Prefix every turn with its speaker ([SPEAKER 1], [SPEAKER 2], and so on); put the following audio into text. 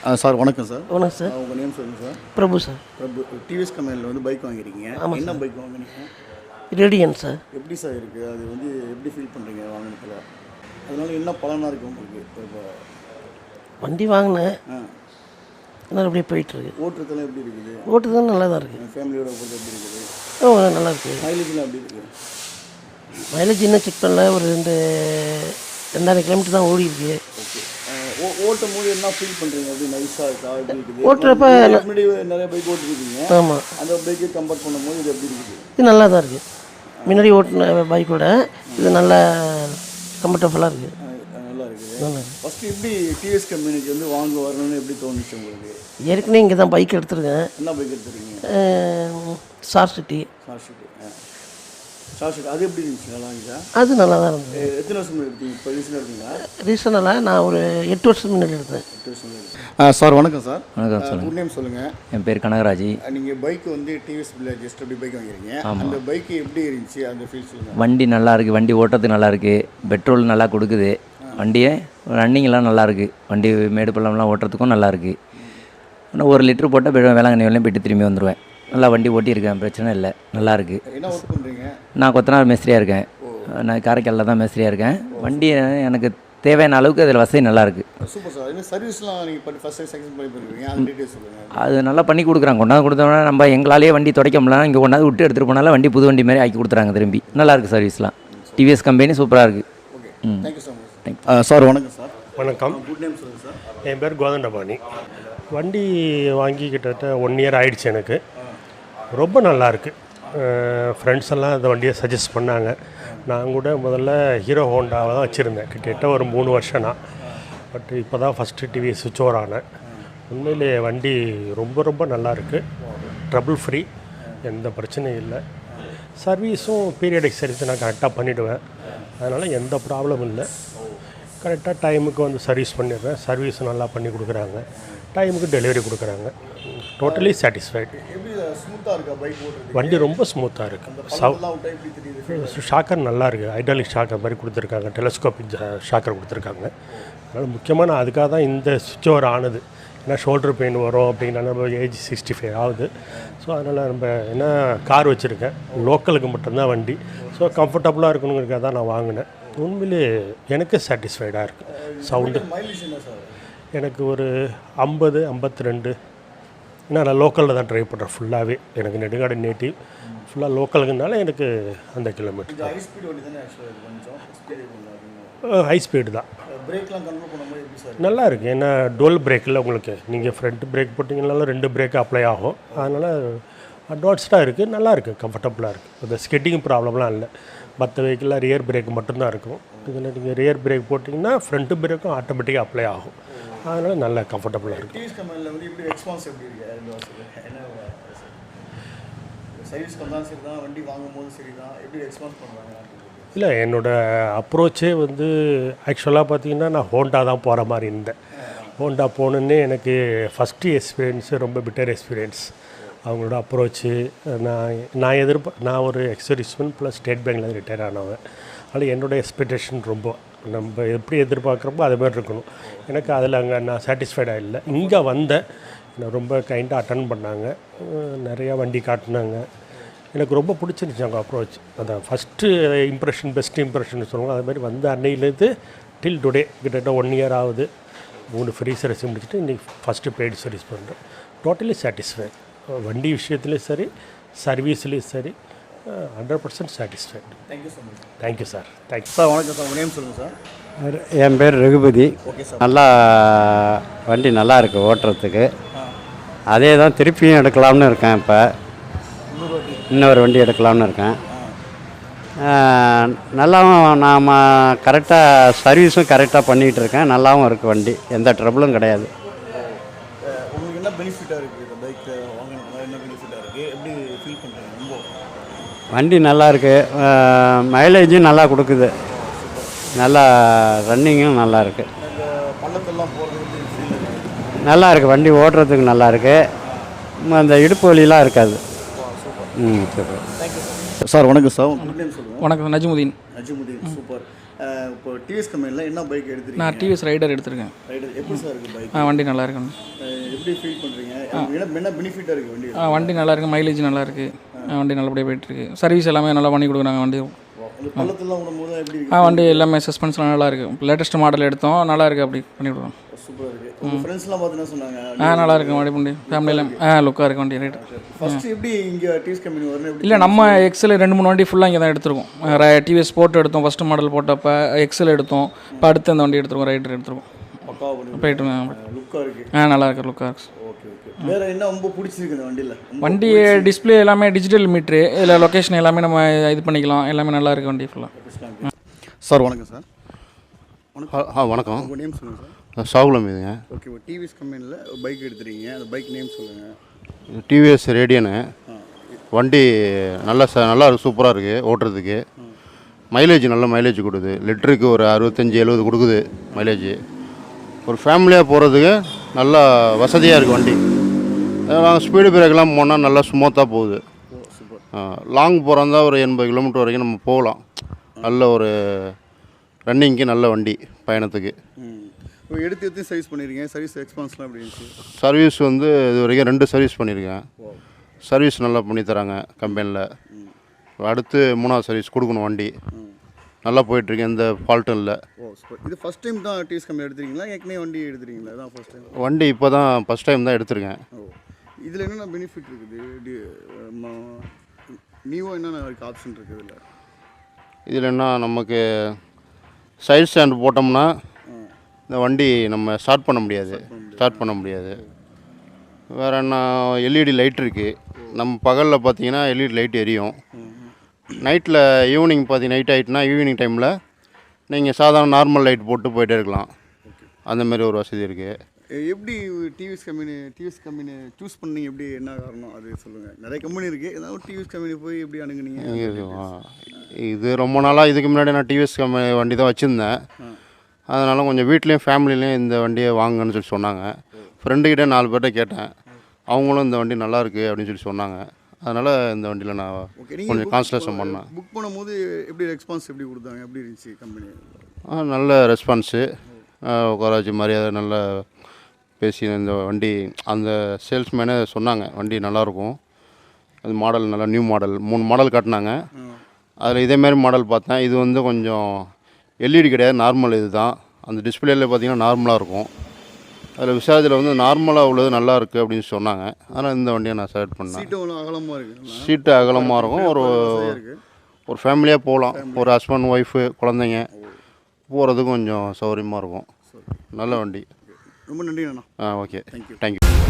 [SPEAKER 1] Sir வணக்கம் sir.
[SPEAKER 2] வணக்கம் sir.
[SPEAKER 1] உங்கள் நேம் சொல்லுங்கள் sir.
[SPEAKER 2] Prabhu sir.
[SPEAKER 1] Prabhu. TVS கம்பெனியில் வந்து பைக் வாங்கியிருக்கீங்க.
[SPEAKER 2] ஆமாம்.
[SPEAKER 1] என்ன பைக் வாங்கினீங்க?
[SPEAKER 2] Radian sir.
[SPEAKER 1] எப்படி சார் இருக்குது? அது வந்து எப்படி ஃபீல் பண்ணுறீங்க வாங்கினதில்? அதனால என்ன பலனாக இருக்குது உங்களுக்கு? இப்போ
[SPEAKER 2] வண்டி வாங்கினேன், அதனால் அப்படியே போயிட்டுருக்கு.
[SPEAKER 1] ஓட்டுறதுலாம் எப்படி இருக்குது?
[SPEAKER 2] ஓட்டுதான் நல்லா தான் இருக்குது.
[SPEAKER 1] ஃபேமிலியோட போகிறது எப்படி இருக்குது?
[SPEAKER 2] நல்லா இருக்குது.
[SPEAKER 1] மைலேஜ்லாம் எப்படி இருக்குது?
[SPEAKER 2] மைலேஜ் இன்னும் செக் பண்ணல. ஒரு 2000 கிலோமீட்டர் தான் ஓடி இருக்கு.
[SPEAKER 1] ஓகே. ஓட்டும் போது என்ன ஃபீல் பண்ணுறீங்க? எப்படி நைஸாக இருக்கா? எப்படி இருக்குது?
[SPEAKER 2] ஓட்டுறப்ப
[SPEAKER 1] முன்னாடி நிறைய பைக் ஓட்டிருக்கீங்க.
[SPEAKER 2] ஆமாம்,
[SPEAKER 1] அந்த பைக்கை கம்பேர் பண்ணும்போது இது எப்படி இருக்குது?
[SPEAKER 2] இது நல்லா தான் இருக்குது. முன்னாடி ஓட்டின பைக்கோட இது நல்லா கம்ஃபர்டபுளாக இருக்குது.
[SPEAKER 1] நல்லா இருக்குது. ஃபஸ்ட்டு எப்படி டிவிஎஸ் கம்பெனிக்கு வந்து வாங்க வரணும்னு எப்படி தோணுச்சு உங்களுக்கு?
[SPEAKER 2] ஏற்கனவே இங்கே தான் பைக் எடுத்துருக்கேன்.
[SPEAKER 1] என்ன பைக் எடுத்துருக்கீங்க?
[SPEAKER 2] Star city.
[SPEAKER 1] அது எப்படி இருந்துச்சு? நல்லா இருந்துச்சா?
[SPEAKER 2] அது நல்லா தான் இருந்தது.
[SPEAKER 1] எத்தனை வருஷம் எடுத்தீங்க? இப்போ ரீசனாக எடுத்தீங்களா?
[SPEAKER 2] ரீசனலாக நான் ஒரு 8 வருஷம் முன்னாடி எடுத்தேன்.
[SPEAKER 1] 8 வருஷம். சார் வணக்கம் சார்.
[SPEAKER 3] வணக்கம் சார்.
[SPEAKER 1] குட் நேம் சொல்லுங்கள்.
[SPEAKER 3] என் பேர் கனகராஜ்.
[SPEAKER 1] நீங்கள் பைக் வந்து டிவிஎஸ் ஜஸ்ட் அப்படி பைக் வாங்கிருக்கீங்க. அந்த பைக் எப்படி இருந்துச்சு? அந்த ஃபீல் சொல்லுங்கள்.
[SPEAKER 3] வண்டி நல்லா இருக்குது, வண்டி ஓட்டுறதுக்கு நல்லா இருக்குது, பெட்ரோல் நல்லா கொடுக்குது, வண்டியை ரன்னிங்லாம் நல்லா இருக்குது, வண்டி மேடு பள்ளம்லாம் ஓட்டுறதுக்கும் நல்லா இருக்குது. இன்னும் 1 லிட்டர் போட்டால் வேளாங்கண்ணி வரலையும் போய்ட்டு திரும்பி வந்துடுவேன். நல்லா வண்டி ஓட்டியிருக்கேன், பிரச்சனை இல்லை, நல்லாயிருக்கு.
[SPEAKER 1] என்ன ஒர்க் பண்ணுறீங்க?
[SPEAKER 3] நான் கொத்தனார் மேஸ்திரியாக இருக்கேன். நான் காரைக்காலில் தான் மேஸ்திரியாக இருக்கேன். வண்டி எனக்கு தேவையான அளவுக்கு அதில் வசதி நல்லாயிருக்கு.
[SPEAKER 1] Super sir. என்ன சர்வீஸ்லாம் நீங்கள் ஃபஸ்ட் டைம் செகண்ட் பண்ணி பண்ணுறீங்க? அது டீட்டெயில்ஸ் சொல்லுங்கள்.
[SPEAKER 3] அது நல்லா பண்ணி கொடுக்குறாங்க. கொண்டாந்து கொடுத்தோம்னா நம்ம எங்களாலேயே வண்டி துடைக்க முடியலாம், இங்கே கொண்டாந்து விட்டு எடுத்துகிட்டு போனாலும் வண்டி புது வண்டி மாதிரி ஆக்கி கொடுத்துறாங்க திரும்பி. நல்லாயிருக்கு சர்வீஸ்லாம். டிவிஎஸ் கம்பெனி சூப்பராக இருக்குது.
[SPEAKER 1] Okay, thank you so much. Thank you sir. வணக்கம் சார்.
[SPEAKER 4] வணக்கம்.
[SPEAKER 1] குட் நேம் சொல்லுங்கள் சார்.
[SPEAKER 4] என் பேர் கோதண்டபாணி. வண்டி வாங்கி கிட்டத்தட்ட 1 இயர் ஆகிடுச்சு எனக்கு. ரொம்ப நல்லாயிருக்கு. ஃப்ரெண்ட்ஸ் எல்லாம் இந்த வண்டியை சஜஸ்ட் பண்ணாங்க. நான் கூட முதல்ல ஹீரோ ஹோண்டாவை தான் வச்சுருந்தேன், கிட்டத்தட்ட ஒரு 3 வருஷம்னா. பட் இப்போ தான் ஃபஸ்ட்டு டிவி சுவிட்ச் ஓவர் ஆனேன். உண்மையிலே வண்டி ரொம்ப ரொம்ப நல்லாயிருக்கு. ட்ரபிள் ஃப்ரீ, எந்த பிரச்சனையும் இல்லை. சர்வீஸும் பீரியடிக் சர்வீஸ் நான் கரெக்டாக பண்ணிவிடுவேன், அதனால் எந்த ப்ராப்ளமும் இல்லை. கரெக்டாக டைமுக்கு வந்து சர்வீஸ் பண்ணிடுறேன். சர்வீஸ் நல்லா பண்ணி கொடுக்குறாங்க, டைமுக்கு டெலிவரி கொடுக்குறாங்க. Totally satisfied. வண்டி ரொம்ப ஸ்மூத்தாக இருக்குது. ஷாக்கர் நல்லா இருக்குது. ஹைட்ராலிக் ஷாக்கர் மாதிரி கொடுத்துருக்காங்க, டெலஸ்கோபிக் ஷாக்கர் கொடுத்துருக்காங்க. அதனால் முக்கியமாக நான் அதுக்காக தான் இந்த சுவிட்ச் ஓவர் ஆனது. ஏன்னா ஷோல்டர் பெயின் வரும் அப்படின்னா, நம்ம ஏஜ் 65 ஆகுது. ஸோ அதனால் நம்ம என்ன கார் வச்சுருக்கேன், லோக்கலுக்கு மட்டும்தான் வண்டி. ஸோ கம்ஃபர்டபுளாக இருக்கணுங்கிறதுக்காக தான் நான் வாங்கினேன். உண்மையிலே எனக்கு சாட்டிஸ்ஃபைடாக இருக்குது. சவுண்டு எனக்கு ஒரு 50-52. ஏன்னா நான் லோக்கலில் தான் ட்ரைவ் பண்ணுறேன் ஃபுல்லாகவே. எனக்கு நெடுங்காடு நேட்டிவ், ஃபுல்லாக லோக்கலுக்குனால எனக்கு அந்த கிலோமீட்டர் தான். ஹை ஸ்பீடு தான். நல்லா இருக்குது. ஏன்னா டோல் பிரேக்கில் உங்களுக்கு நீங்கள் ஃப்ரண்ட் பிரேக் போட்டிங்கனாலும் 2 பிரேக் அப்ளை ஆகும். அதனால் அட்வான்ஸ்டாக இருக்குது, நல்லா இருக்குது, கம்ஃபர்டபுளாக இருக்குது. இந்த ஸ்கெட்டிங் ப்ராப்ளம்லாம் இல்லை. மற்ற வெஹிக்கிளில் ரியர் பிரேக் மட்டும்தான் இருக்கும். இதில் நீங்கள் ரியர் பிரேக் போட்டிங்கன்னா ஃப்ரண்ட் பிரேக்கும் ஆட்டோமேட்டிக்காக அப்ளை ஆகும். அதனால் நல்லா கம்ஃபர்டபுளாக இருக்குது. இல்லை, என்னோடய அப்ரோச்சே வந்து ஆக்சுவலாக பார்த்தீங்கன்னா நான் ஹோண்டா தான் போகிற மாதிரி இருந்தேன். ஹோண்டா போகணுன்னே எனக்கு ஃபஸ்ட்டு எக்ஸ்பீரியன்ஸு ரொம்ப பெட்டர் எக்ஸ்பீரியன்ஸ். அவங்களோட அப்ரோச்சு நான் ஒரு எக்ஸர்விஸ்மேன் ப்ளஸ் ஸ்டேட் பேங்க்கில் ரிட்டையர் ஆனவன். அதனால் என்னோடய எக்ஸ்பெக்டேஷன் ரொம்ப நம்ம எப்படி எதிர்பார்க்குறப்போ அது மாதிரி இருக்கணும். எனக்கு அதில் அங்கே நான் சாட்டிஸ்ஃபைடாக இல்லை. இங்கே வந்தேன், நான் ரொம்ப கைண்டாக அட்டன் பண்ணாங்க, நிறையா வண்டி காட்டினாங்க. எனக்கு ரொம்ப பிடிச்சிருந்துச்சி அவங்க அப்ரோச். அந்த ஃபஸ்ட்டு இம்ப்ரெஷன் பெஸ்ட் இம்ப்ரெஷன் சொல்லுவாங்க. அது மாதிரி வந்து அன்னையிலேருந்து டில் டுடே கிட்டத்தட்ட 1 இயர் ஆகுது. 3 ஃப்ரீ சர்வீஸ் முடிச்சுட்டு இன்றைக்கி ஃபஸ்ட்டு பெய்டு சர்வீஸ் பண்ணுறேன். Totally satisfied. வண்டி விஷயத்துலேயும் சரி, சர்வீஸ்லேயும் சரி, 100% satisfied. Thank you so much. Thank you sir. Thank you
[SPEAKER 1] sir. வணக்கம் சார். உங்கள் நேம் சொல்லுங்கள் சார்.
[SPEAKER 5] என் பேர் ரகுபதி.
[SPEAKER 1] Okay sir.
[SPEAKER 5] நல்லா வண்டி நல்லா இருக்குது ஓட்டுறதுக்கு. அதே தான் திருப்பியும் எடுக்கலாம்னு இருக்கேன். இப்போ இன்னொரு வண்டி எடுக்கலாம்னு இருக்கேன். நல்லாவும் நாம் கரெக்டாக சர்வீஸும் கரெக்டாக பண்ணிகிட்டு இருக்கேன். நல்லாவும் இருக்குது வண்டி, எந்த ட்ரபிளும் கிடையாது.
[SPEAKER 1] உங்களுக்கு என்ன பெனிஃபிட்டாக இருக்குது இந்த பைக் வாங்கினதுனால? என்ன பெனிஃபிட்டாக இருக்குது? எப்படி ஃபீல் பண்ணுறீங்க? ரொம்ப
[SPEAKER 5] வண்டி நல்லா இருக்குது, மைலேஜும் நல்லா கொடுக்குது, நல்லா ரன்னிங்கும் நல்லா இருக்குது.
[SPEAKER 1] பள்ளத்தெல்லாம் போகிறது
[SPEAKER 5] நல்லா இருக்குது, வண்டி ஓட்டுறதுக்கு நல்லா இருக்குது. அந்த இடுப்பு வலிலாம் இருக்காது. சூப்பர்.
[SPEAKER 1] சார். வணக்கம் சார். குட் நேம் சொல்லுங்கள்.
[SPEAKER 6] வணக்கம், நஜ்முதீன்.
[SPEAKER 1] நஜ்முதீன். சூப்பர். இப்போ டிவிஎஸ் கம்பெனியில் என்ன பைக் எடுத்துருக்கீங்க?
[SPEAKER 6] நான் டிவிஎஸ் ரைடர் எடுத்திருக்கேன்.
[SPEAKER 1] ரைடர் எப்படி சார் இருக்குது பைக்?
[SPEAKER 6] வண்டி நல்லா இருக்குண்ணா.
[SPEAKER 1] எப்படி ஃபீல் பண்ணுறீங்க? என்ன பெனிஃபிட்டாக இருக்குது வண்டி?
[SPEAKER 6] வண்டி நல்லா இருக்குது, மைலேஜ் நல்லா இருக்குது, வண்டி நல்லபடியாக போயிட்டுருக்கு. சர்வீஸ் எல்லாமே நல்லா பண்ணி கொடுக்குறாங்க வண்டி.
[SPEAKER 1] பள்ளத்தெல்லாம் விடும்போது எப்படி இருக்குது?
[SPEAKER 6] வண்டி எல்லாமே சஸ்பென்ஸ்லாம் நல்லா இருக்குது. லேட்டஸ்ட் மாடல் எடுத்தோம், நல்லா இருக்குது, அப்படி பண்ணி கொடுக்குறோம்.
[SPEAKER 1] சூப்பராக இருக்குது. உங்கள் ஃப்ரெண்ட்ஸ்லாம் பார்த்து சொன்னாங்க?
[SPEAKER 6] நல்லா இருக்கு வண்டி ஃபேமிலியில் லுக்காக இருக்குது வண்டி. ரைட்.
[SPEAKER 1] ஃபஸ்ட்டு எப்படி இங்கே டிவிஎஸ் கம்பெனி வரணும் எப்படி?
[SPEAKER 6] இல்லை, நம்ம எக்ஸல் 2-3 வண்டி ஃபுல்லாக இங்கே தான் எடுத்துருக்கோம். டிவிஎஸ் ஸ்போர்ட் எடுத்தோம் ஃபஸ்ட்டு மாடல் போட்டப்போ, எக்ஸல் எடுத்தோம், இப்போ அடுத்து அந்த வண்டி எடுத்துருக்கோம், ரைடர் எடுத்துருக்கோம்.
[SPEAKER 1] பக்காவாக பண்ணி
[SPEAKER 6] போயிட்டு
[SPEAKER 1] லுக்காக இருக்குது.
[SPEAKER 6] நல்லா இருக்கு, லுக்காக இருக்கு.
[SPEAKER 1] Okay okay. வேறு என்ன ரொம்ப பிடிச்சிருக்கு இந்த வண்டியில்?
[SPEAKER 6] வண்டி டிஸ்பிளே எல்லாமே டிஜிட்டல் மீட்ரு, இதில் லொக்கேஷன் எல்லாமே நம்ம இது பண்ணிக்கலாம், எல்லாமே நல்லா இருக்குது வண்டி ஃபுல்லாக.
[SPEAKER 1] சார் வணக்கம் சார்.
[SPEAKER 5] வணக்கம்.
[SPEAKER 1] உங்கள் நேம் சொல்லுங்கள் சார்.
[SPEAKER 5] சாகுலம் இதுங்க.
[SPEAKER 1] ஓகே, டிவிஎஸ் கம்பெனியில் பைக் எடுத்துருக்கீங்க, அந்த பைக் நேம் சொல்லுங்கள்.
[SPEAKER 5] டிவிஎஸ் ரேடியனு. வண்டி நல்லா நல்லா சூப்பராக இருக்குது ஓட்டுறதுக்கு. மைலேஜ் நல்ல மைலேஜ் கொடுக்குது. லிட்டருக்கு ஒரு 65-70 கொடுக்குது மைலேஜ். ஒரு ஃபேமிலியாக போகிறதுக்கு நல்லா வசதியாக இருக்குது வண்டி. நாங்கள் ஸ்பீடு பிரேக்கெலாம் போனால் நல்லா ஸ்மூத்தாக போகுது. லாங் போகிறதா ஒரு 80 கிலோமீட்டர் வரைக்கும் நம்ம போகலாம். நல்ல ஒரு ரன்னிங்க்கு நல்ல வண்டி பயணத்துக்கு.
[SPEAKER 1] இப்போ எடுத்து சர்வீஸ் பண்ணியிருக்கீங்க, சர்வீஸ் எக்ஸ்பான்ஸ்லாம் எப்படி இருந்துச்சு?
[SPEAKER 5] சர்வீஸ் வந்து இது வரைக்கும் 2 சர்வீஸ் பண்ணியிருக்கேன். சர்வீஸ் நல்லா பண்ணித்தராங்க கம்பெனியில். அடுத்து 3வது சர்வீஸ் கொடுக்கணும். வண்டி நல்லா போயிட்டுருக்கு, எந்த ஃபால்ட்டும் இல்லை.
[SPEAKER 1] இது ஃபஸ்ட் டைம் தான் டிவிஎஸ் கம்பெனி எடுத்துருக்கீங்களா? ஏற்கனவே வண்டி எடுத்துருக்கீங்களா? தான் ஃபஸ்ட் டைம்
[SPEAKER 5] வண்டி இப்போ தான் ஃபஸ்ட் டைம் தான் எடுத்திருக்கேன்.
[SPEAKER 1] இதில் என்னென்ன பெனிஃபிட் இருக்குது? நியூவாக என்னென்ன இருக்குது ஆப்ஷன் இருக்குது இதில்?
[SPEAKER 5] இதில் என்ன, நமக்கு சைட் ஸ்டாண்ட் போட்டோம்னா இந்த வண்டி நம்ம ஸ்டார்ட் பண்ண முடியாது. வேறு என்ன, எல்இடி லைட் இருக்குது. நம்ம பகலில் பார்த்தீங்கன்னா எல்இடி லைட் எரியும். நைட்டில் ஈவினிங் நைட் ஆகிட்டுனா ஈவினிங் டைமில் நீங்கள் சாதாரண நார்மல் லைட் போட்டு போயிட்டே இருக்கலாம். அந்தமாரி ஒரு வசதி இருக்குது.
[SPEAKER 1] எப்படி டிவிஎஸ் கம்பெனி சூஸ் பண்ணீங்க? எப்படி என்ன காரணம் அது சொல்லுங்கள். நிறைய கம்பெனி இருக்குது, ஏதாவது டிவிஎஸ் கம்பெனி போய் எப்படி அணுகுனீங்க?
[SPEAKER 5] இது ரொம்ப நாளாக இதுக்கு முன்னாடி நான் டிவிஎஸ் கம்பெனி வண்டி தான் வச்சுருந்தேன். அதனால் கொஞ்சம் வீட்லேயும் ஃபேமிலிலையும் இந்த வண்டியை வாங்குன்னு சொல்லி சொன்னாங்க. ஃப்ரெண்டுக்கிட்டே 4 பேர்கிட்ட கேட்டேன், அவங்களும் இந்த வண்டி நல்லாயிருக்கு அப்படின்னு சொல்லி சொன்னாங்க. அதனால் இந்த வண்டியில் நான் கொஞ்சம் கான்சன்ட்ரேஷன் பண்ணேன்.
[SPEAKER 1] புக் பண்ணும்போது எப்படி ரெஸ்பான்ஸ் எப்படி கொடுத்தாங்க? எப்படி இருந்துச்சு கம்பெனி?
[SPEAKER 5] நல்ல ரெஸ்பான்ஸு. உட்கார வச்சு மரியாதை நல்லா பேசி இந்த வண்டி அந்த சேல்ஸ்மேனே சொன்னாங்க வண்டி நல்லாயிருக்கும். அது மாடல் நல்லா நியூ மாடல் 3 மாடல் காட்டினாங்க. அதில் இதேமாரி மாடல் பார்த்தேன். இது வந்து கொஞ்சம் எல்இடி கிடையாது, நார்மல் இது தான். அந்த டிஸ்பிளேயில் பார்த்தீங்கன்னா நார்மலாக இருக்கும். அதில் விசாரத்தில் வந்து நார்மலாக உள்ளது நல்லா இருக்குது அப்படின்னு சொன்னாங்க. அதனால் இந்த வண்டியை நான் செலக்ட் பண்ணேன். சீட்டு அகலமாக இருக்கும். ஒரு ஃபேமிலியாக போகலாம். ஒரு ஹஸ்பண்ட் ஒய்ஃபு குழந்தைங்க போகிறதுக்கு கொஞ்சம் சௌகரியமாக இருக்கும். நல்ல வண்டி.
[SPEAKER 1] ரொம்ப நன்றி அண்ணா.
[SPEAKER 5] Okay, thank you.